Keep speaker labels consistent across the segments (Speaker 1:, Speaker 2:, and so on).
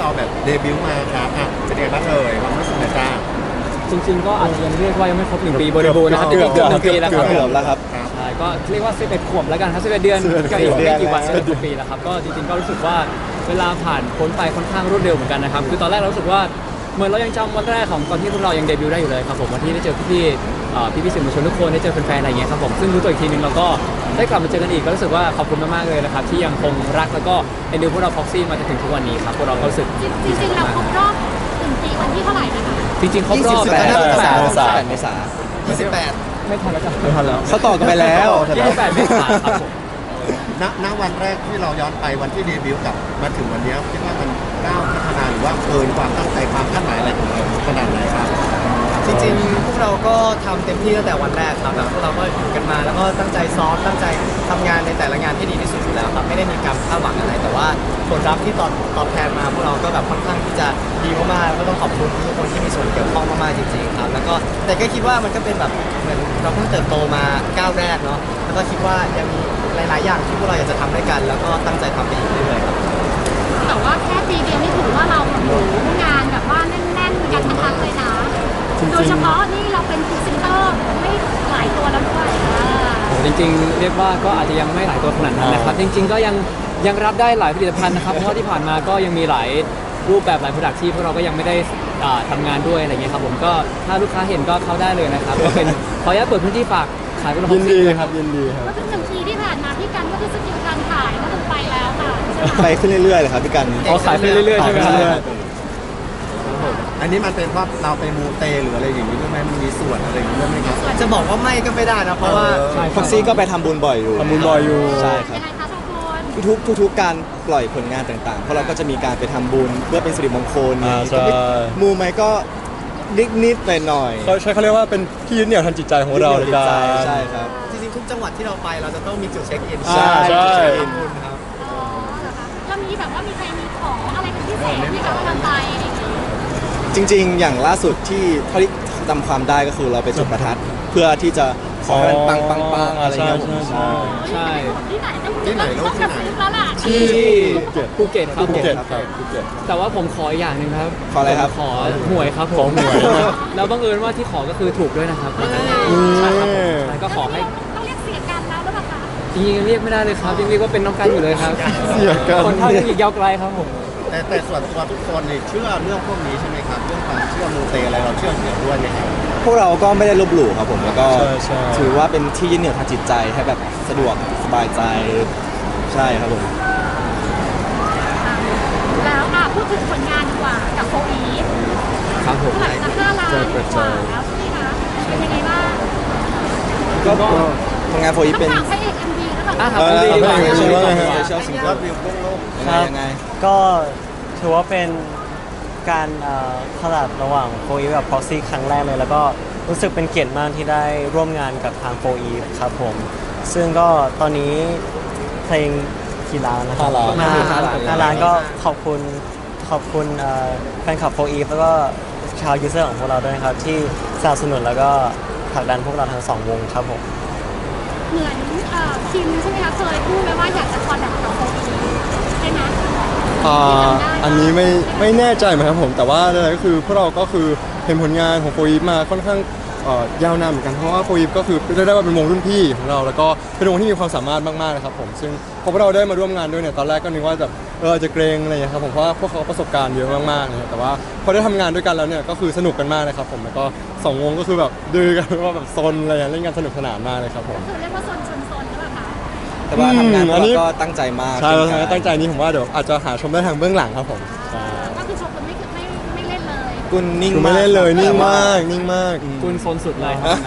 Speaker 1: เราแบบเดบิวต์มาครับเป็นยังไงบ้างความรู้สึกนะจ้า
Speaker 2: จริงๆก็อาจจะยังเรียกว่ายังไม่ครบ1 ปีบริบูรณ์นะครับเกือบ1 ปีแล้วครับ
Speaker 3: เกือบแล้วครับ
Speaker 2: ใช่ก็เรียกว่า11 ขวบแล้วกันครับ11 เดือนก็อีกไม่กี่วันก็1 ปีแล้วครับก็จริงๆก็รู้สึกว่าเวลาผ่านพ้นไปค่อนข้างรวดเร็วเหมือนกันนะครับคือตอนแรกเรารู้สึกว่าเหมือนเรายังจำวันแรกของตอนที่พวกเรายังเดบิวต์ได้อยู่เลยครับผมวันที่ได้เจอพี่สื่อมวลชนทุกคนได้เจอแฟนๆอะไรอย่างเงี้ยครับผมซึ่งรู้ตัวอีกทีนึงเราก็ได้กลับมาเจอกันอีกก็รู้สึกว่าขอบคุณมากๆเลยนะครับที่ยังคงรักแล้วก็เอ็นดูพวกเราพ็อกซี่มาจนถึงทุกวันนี้ครับพวกเราก็รู้สึก
Speaker 4: จริงๆเราครบรอบ1 ปีวันที่เท่าไหร่นะคะ
Speaker 2: จริงๆครบรอบ
Speaker 3: 28 เมษายน
Speaker 2: ไม่ทันแล้วจ้ะ
Speaker 3: ไม่ทันแล้วเขาต่อกันไปแล้ว
Speaker 2: 28 เมษายนครับผม
Speaker 1: ณวันแรกที่เราย้อนไปวันที่เดบิวต์กับมาถึงวันนี้คิดว่ามันก้าวพัฒนาหรือว่าเกินความตั้งใจความคาดหมายอะไรของเราขนาดไหนครับ
Speaker 5: จริงๆพวกเราก็ทำเต็มที่ตั้งแต่วันแรกครับแบบพวกเราก็อยู่กันมาแล้วก็ตั้งใจซ้อมตั้งใจทำงานในแต่ละงานที่ดีที่สุดอยู่แล้วครับไม่ได้มีการคาดหวังอะไรแต่ว่าผลลัพธ์ที่ตอบแทนมาพวกเราก็แบบค่อนข้างที่จะดีมากๆก็ต้องขอบคุณทุกคนที่มีส่วนเกี่ยวข้องมากๆจริงๆครับแล้วก็แต่ก็คิดว่ามันก็เป็นแบบเหมือนเราเพิ่งเติบโตมาก้าวแรกเนาะแล้วก็คิดว่ายังมีหลายๆอย่างที่พวกเราอยากจะทำด้วยกันแล้วก็ตั้งใจทำไปอีกเรื่อยๆครับ
Speaker 4: แต่ว่าแค่ปีเดียวนี่ถือว่าเราแบบงานแบบว่าแน่นๆกันทั้งเลยนะโดยเฉพาะนี่เราเป็นพรีเซนเตอร์ไม่หลายตัวแล้วด้วย
Speaker 2: จริงๆเรียกว่าก็อาจจะยังไม่หลายตัวขนาดนั้นนะครับจริงๆก็ยังรับได้หลายผลิตภัณฑ์นะครับเพราะว่าที่ผ่านมาก็ยังมีหลายรูปแบบหลายผลิตภัณฑ์ที่พวกเราก็ยังไม่ได้ทำงานด้วยอะไรเงี้ยครับผมก็ถ้าลูกค้าเห็นก็เข้าได้เลยนะครับก็เป็นขออนุญาตเปิดพื้นที่ฝากขายผลิตภัณฑ์
Speaker 3: ยินดีครับยินดีครับ
Speaker 4: ก็คือ1 ปีที่ผ่านมาพี่กันก็คือสกิลการขายก็คือไปแล้วค่ะใช่ไหม
Speaker 3: ไปขึ้นเรื่อยๆเลยครับพี่กัน
Speaker 2: ขายไปเรื่อยๆใช่ไหมครับ
Speaker 1: อันนี้มันเป็นเพราะเราไปมูเตหรืออะไรอย่างนี้ด้วยไหมมันมีส่วนอะไรอย่างนี้ด้วยไหมครับ
Speaker 5: จะบอกว่าไม่ก็ไม่ได้นะเพราะว่า
Speaker 3: พ็อกซี่ก็ไปทำบุญบ่อยอยู่ใช่ครับ
Speaker 4: ยังไงคะทุกคน
Speaker 3: ทุกการปล่อยผลงานต่างๆเพราะเราก็จะมีการไปทำบุญเพื่อเป็นสิริมงคลมูไหมก็นิดไปหน่อย
Speaker 6: เขาเรียกว่าเป็นที่ยึดเหนี่ยวทางจิตใจของเราในการ
Speaker 3: ใช่ครับ
Speaker 5: จริงๆทุกจังหวัดที่เราไปเราจะต้องมีจุดเช็คอิน
Speaker 3: ใช่
Speaker 5: ครับ
Speaker 4: อ๋อเหรอคะแล้วมีแบบว่ามีใครมีของอะไรเป็นพิเศษไหมคะตอนไปอะไรอย่างเงี้ย
Speaker 3: จริงๆอย่างล่าสุดที่เท่าที่จำความได้ก็คือเราไปจุดประทัดเพื่อที่จะขอให้มันปังอะไรเงี้ย
Speaker 2: ใช่
Speaker 4: ที่ไหนต้องกระซิบแล้วล่ะ
Speaker 2: ที่ภูเก็ตครับ
Speaker 6: ภูเก็ต
Speaker 2: แต่ว่าผมขออีกอย่างหนึ่งครับ
Speaker 3: ขออะไรครับ
Speaker 2: ขอหวยครับผมแล้วบังเอิญว่าที่ขอก็คือถูกด้วยนะครับใช่ครับผมก็ขอให้
Speaker 4: ต้องเรียกเสียกันแล้วหรือเปล่าคะ
Speaker 2: จริงๆเรียกไม่ได้เลยครับยังเรียกว่าเป็นน้องกันอยู่เลยครับ
Speaker 6: เสียกัน
Speaker 2: คนเท่ายังอีกยาวไกลครับผม
Speaker 1: แต่ส่วนตัวทุกคนเนี่ยเชื่อเรื่องพวกนี้ใช่ไหมครับเรื่องความเชื่อมูเตอะไรเราเชื่อเกี่ยวด้วยไหมครับ
Speaker 3: พวกเราก็ไม่ได้ลบหลู่ครับผมแล้วก็ถือว่าเป็นที่ยึดเหนี่ยวทางจิตใจให้แบบสะดวกสบายใจใช่ครับผม
Speaker 4: แล้วพูดถึงผลงานดีกว่ากับโฟอีฟ
Speaker 2: ครับผม
Speaker 4: หลังจาก5 ล้านกว่าแล้วใช่ไหมคะเป็นยังไงบ้าง
Speaker 3: ก็ผลงานโฟอีฟเป็น
Speaker 4: พระเอก MV แล้วแบบ
Speaker 2: ครับ
Speaker 3: เชื่อสิ่งที่วิวโลกยังไง
Speaker 7: ก็ถือว่าเป็นการคอลแลบระหว่างโฟอีฟกับพ็อกซี่ครั้งแรกเลยแล้วก็รู้สึกเป็นเกียรติมากที่ได้ร่วมงานกับทางโฟอีฟครับผมซึ่งก็ตอนนี้เพลงกี่ล้านนะครับ5 ล้านก็ขอบคุณแฟนคลับโฟอีฟแล้วก็ชาวยูเซอร์ของพวกเราด้วยนะครับที่สนับสนุนแล้วก็ผลักดันพวกเราทั้ง2 วงครับผม
Speaker 4: เหมือนคิมใช่ไหมคะเคยพูดไว้ว่าอยากจะคอลแลบกับโฟอีฟใช่ไหม
Speaker 6: อันนี้ไม่แน่ใจเหมือนกันผมแต่ว่าอะไรก็คือพวกเราก็คือเห็นผลงานของโฟอีฟมาค่อนข้างยาวนานเหมือนกันเพราะว่าโฟอีฟก็คือเรียกได้ว่าเป็นวงรุ่นพี่ของเราแล้วก็เป็นวงที่มีความสามารถมากๆนะครับผมซึ่งพอพวกเราได้มาร่วมงานด้วยเนี่ยตอนแรกก็นึกว่าแบบจะเกรงอะไรอย่างเงี้ยครับผมเพราะว่าพวกเขาประสบการณ์เยอะมากๆเลยแต่ว่าพอได้ทำงานด้วยกันแล้วเนี่ยก็คือสนุกกันมากเลยครับผมแล้วก็2 วงก็คือแบบดื้อกันว่าแบบซนอะไรอย่างเล่นกันสนุกสนานมากเลยครับผม
Speaker 4: คือเรียกว่าซนหรือเปล่าคะ
Speaker 3: แต่ว่าทำงานเราก็ตั้งใจมาก
Speaker 6: ใช่ตั้งใจนี้ผมว่าเดี๋ยวอาจจะหาชมได้ทางเบื้องหลังครับผม
Speaker 4: ก็คือชมคนไม่เล่นเลย
Speaker 3: กุนนิ่ง
Speaker 6: ไม่เล่นเลยนิ่งมาก
Speaker 2: กุนโซนสุดเลยครับ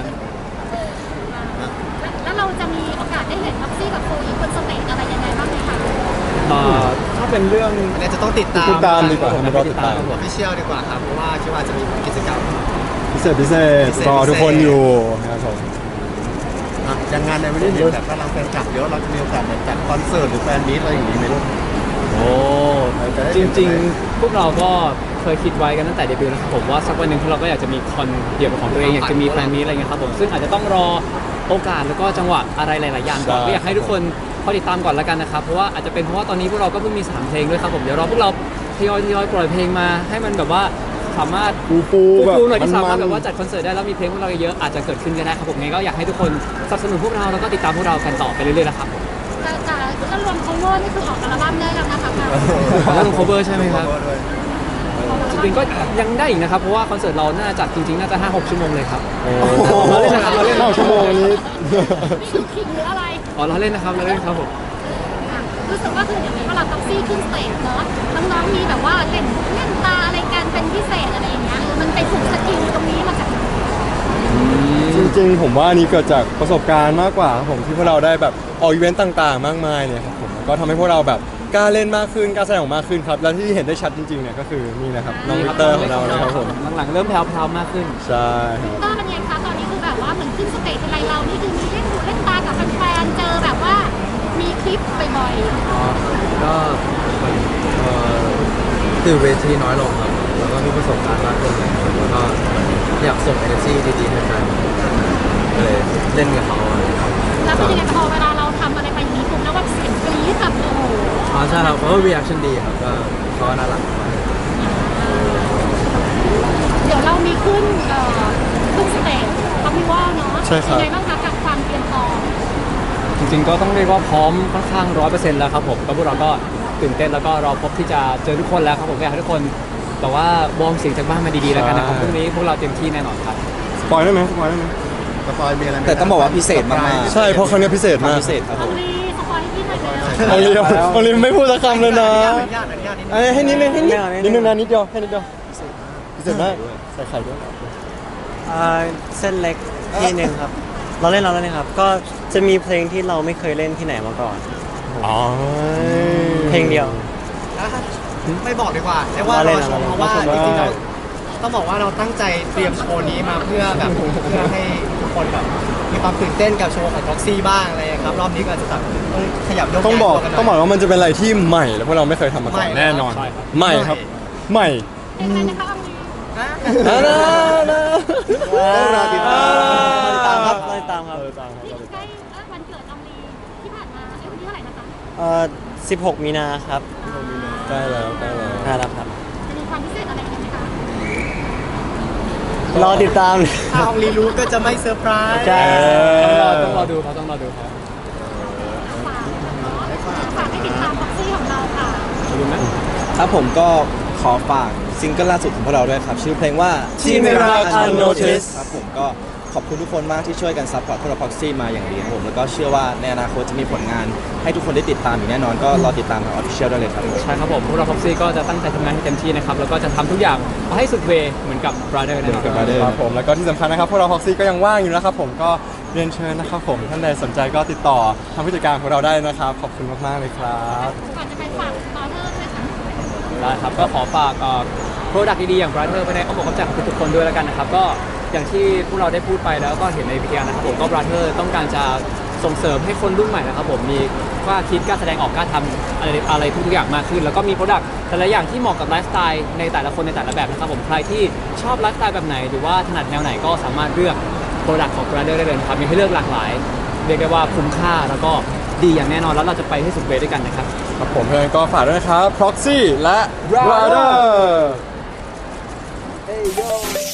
Speaker 4: แล้วเราจะมีโอกาสได้เห็นพ็อกซี่กับโฟอีฟบนสเตจอะไรยังไงบ้างไหมคะ
Speaker 2: ถ้าเป็นเรื่อง
Speaker 5: เนี่ยจะต้องติดต
Speaker 6: ามดีกว่ามันก็ติดตาม
Speaker 5: พิเชียลดีกว่าครับเพราะว่าคิดว่าจะมีกิจกรรม
Speaker 6: พิเศษรอทุกคนอยู่ครับผม
Speaker 1: อย่างงานในวันนี้เนี่ยแบบกำลังแฟนคลับเยอะเราจะมีโอกาสแบบจัดคอนเสิร์ตหรือแฟนมีตอะไรอย่างนี้ไหมลูก
Speaker 2: โอ้จริงๆพวกเราก็เคยคิดไว้กันตั้งแต่เดบิวต์นะครับผมว่าสักวันหนึ่งเราก็อยากจะมีคอนเดี่ยวของตัวเองอยากจะมีแฟนมีตอะไรเงี้ยครับผมซึ่งอาจจะต้องรอโอกาสแล้วก็จังหวะอะไรหลายๆอย่างก่อนก็อยากให้ทุกคนคอยติดตามก่อนแล้วกันนะครับเพราะว่าอาจจะเป็นเพราะว่าตอนนี้พวกเราก็เพิ่งมี3เพลงด้วยครับผมเดี๋ยวรอพวกเราทยอยปล่อยเพลงมาให้มันแบบว่าสามารถ
Speaker 6: ปูแบบ
Speaker 2: หน่อยที่สามารถ
Speaker 6: มันๆ
Speaker 2: แบบว่าจัดคอนเสิร์ตได้แล้วมีเพลงพวกเราเยอะอาจจะเกิดขึ้นก็ได้ครับผมงั้นก็อยากให้ทุกคนสนับสนุนพวกเราแล้วก็ติดตามพวกเรากันต่อไปเรื่อยๆนะครับผม
Speaker 4: แต่ถ้ารวม cover นี่คือออกอัลบั้มได้แล้วนะคะ
Speaker 2: แล้วลง cover ใช่ไหมครับจริงๆก็ยังได้อีกนะครับเพราะว่าคอนเสิร์ตเราน่าจัดจริงๆน่าจะ 5-6 ชั่วโมงเลยครับเราเล่นนะครับเราเล่น
Speaker 6: 9 ชั่วโมงนี้
Speaker 4: นี่คือคิงหรืออะไร
Speaker 2: อ๋อเราเล่นนะครับเราเล่นครับผม
Speaker 4: รู้สึกว่าคือเดี๋ยวนี้เวลาท็อกซี่ขึ้นสเตจเนาะน้องๆมีแบบว่าเล่นตาอะไรกันเป็นพิเศษอะไรอย่างเงี้ยมันไปฝึกสกิลตรงนี้มาจากไหน
Speaker 6: จริงๆผมว่าอันนี้เกิดจากประสบการณ์มากกว่าครับผมที่พวกเราได้แบบออกอีเวนต์ต่างๆ มากมายเนี่ยครับผมก็ทำให้พวกเราแบบกล้าเล่นมากขึ้นกล้าแสดงออกมากขึ้นครับและที่เห็นได้ชัดจริงๆเนี่ยก็คือนี่นะครับน้องวิกเตอร์ของเรานะครับผม
Speaker 2: หลังๆเริ่มแพรวๆมากขึ้น
Speaker 6: ใช่ค
Speaker 4: วิ
Speaker 6: รับ
Speaker 4: กเตอร์เป็นไงคะตอนนี้คือแบบว่าเหมือนขึ้นสเตจอะไรเรานี่คือมีเล่นหูเล่นตากับแฟนๆเจอแบบว่ามีคลิปบ่อยๆ
Speaker 8: ก็ตื่นเวทีน้อยลงครับแล้วก็มีประสบการณ์มากขึ้นเลยแล้วก็อยากส่ง energy ดีๆให้แฟนก็เลยเล่นกับเขาอะไรครับ
Speaker 4: แล้วเป็นยังไงพอเวลาเราทำอะไรไปอย่างนี้ปุ๊บแล้วว่าเสียงกรี๊ดแบบโอ้โห
Speaker 8: อ๋อใช่ครับเพราะว่า reaction ดีครับก็เขาก็น่ารัก
Speaker 4: เดี๋ยวเรามีขึ้นสเตจคามิวอลเนาะ
Speaker 6: ใช่ครับ
Speaker 4: ยังไงบ้างคะกับความเตรียมพร้อม
Speaker 2: จริงๆก็ต้องเรียกว่าพร้อมค่อนข้าง100%แล้วครับผมก็พวกเราก็ตื่นเต้นแล้วก็รอพบที่จะเจอทุกคนแล้วครับผมอยากให้ทุกคนแบบว่าวอร์มเสียงจากบ้านมาดีๆแล้วกันนะครับพรุ่งนี้พวกเราเต็มที่แน่นอนครับ
Speaker 6: สปอยได้ไหมสปอยได้ไหม
Speaker 1: สปอยมีอะไรไหม
Speaker 3: แต่ต้องบอกว่าพิเศษมากๆ
Speaker 6: ใช่เพราะครั้งนี้พิเศษมาก
Speaker 3: พิเศษครับ
Speaker 4: อ
Speaker 3: ผ
Speaker 4: อง
Speaker 3: ม
Speaker 4: ลีสปอยให้พี่หน่อยเลย
Speaker 6: เอาเรียวเอาเรียวไม่พูดสักคำเลยนะ
Speaker 5: อนุญาตนิดนึง
Speaker 6: ให้นิดนึงให้นิดนึงนะนิดเดียวให้นิดเดียวพิเศษมากใส่ไข่ด้วย
Speaker 7: เส้นเล็กที่หนึ่งครับ เราเล่นครับ ก็จะมีเพลงที่เราไม่เคยเล่นที่ไหนมาก่อน
Speaker 6: อ๋อ
Speaker 7: เพลงเดียว
Speaker 5: ไม่บอกดีกว่าเรียกว่ารอชมเพราะว่าจริงๆเราต้องบอกว่าเราตั้งใจเตรียมโชว์นี้มาเพื่อแบบเพื่อให้ทุกคนแบบมีความตื่นเต้นกับโชว์ของ Proxy บ้างอะไรครับรอบนี้ก็อาจจะแบบขยับยก
Speaker 6: ต้องบอก
Speaker 5: ย้ายตัวกันหน่ย
Speaker 6: ต้องบอกว่ามันจะเป็นอะไรที่ใหม่แล้วพวกเราไม่เคยทำมาก่อน
Speaker 5: ใหม่
Speaker 6: แน่นอน
Speaker 2: ใช่ครับ
Speaker 6: ใหม่ครับใหม่
Speaker 4: เป็นไงนะคะอองลี
Speaker 1: ต้องรอติดตาม
Speaker 7: ตามครับติดตามครับ
Speaker 4: นี่ใกล้วันเกิดอองลีที่ผ่านมาวันที่เท่าไหร่นะคะ
Speaker 7: 16 มีนาครับ
Speaker 6: ใกล้แล้วใกล้แล้ว
Speaker 7: น่ารักครับ
Speaker 4: จะมีความพิเศษอะไรกันไหมคะ
Speaker 7: รอติดตาม
Speaker 5: ถ้าอองลีรู้ก็จะไม่เซอร์ไพรส์
Speaker 7: ใช่
Speaker 2: ต้องรอดูครับต้องรอดูครับ
Speaker 4: ฝากให้ติดตามบ็อกซี่ของเราค่ะ
Speaker 2: ดูไหม
Speaker 3: ครับผมก็ขอฝากซิงเกิลล่าสุดของพวกเราด้วยครับ ชื่อเพลงว่า
Speaker 7: ที่ไม่รัก Unnoticed
Speaker 3: ครับผมก็ขอบคุณทุกคนมากที่ช่วยกันซัพพอร์ตพวกเรา Proxy มาอย่างดีครับผมแล้วก็เชื่อว่าในอนาคตจะมีผลงานให้ทุกคนได้ติดตามอย่างแน่นอนก็รอติดตามทาง Official ได้เลยครับ
Speaker 2: ใช่ครับผมพวกเราพ็อกซี่ก็จะตั้งใจทำงานให้เต็มที่นะครับแล้วก็จะทำทุกอย่างเอาให้สุดเวย์เหมือนกับ Brother นะครับ
Speaker 6: ครับผมแล้วก็ที่สำคัญนะครับพวกเราฮอกซี่ก็ยังว่างอยู่นะครับผมก็เรียนเชิญนะครับผมท่านใดสนใจก็ติดต่อทางผู้จัดการของเราได้นะครับขอบคุณมากๆเลยครับ
Speaker 4: ก่อนจะไปฝากบอเทอร์ด้วยค่ะ
Speaker 2: ได้ครับก็ขอฝากโปรดักต์ดีๆอย่าง Brother ไปในอ้อมอกอ้อมใจของทุกๆคนด้วยแล้วกันนะครับก็อย่างที่พวกเราได้พูดไปแล้วก็เห็นในวิทยานะครับผมก็ Brother ต้องการจะส่งเสริมให้คนรุ่นใหม่นะครับผมมีกล้าคิดกล้าแสดงออกกล้าทำอะไรทุกๆอย่างมากขึ้น แล้วก็มีโปรดักต์แต่ละอย่างที่เหมาะกับไลฟ์สไตล์ในแต่ละคนในแต่ละแบบนะครับผมใครที่ชอบไลฟ์สไตล์แบบไหนหรือว่าถนัดแนวไหนก็สามารถเลือกโปรดักต์ของ Brother ได้เลยนะครับมีให้เลือกหลากหลายเรียกได้ว่าคุ้มค่าแล้วก็ดีอย่างแน่นอนแล้วเราจะไปให้สุดเวย์ด้วยกันนะครับ
Speaker 6: ครับผมเพื่อนก็ฝากด้วยนะครับ Proxy และ Brother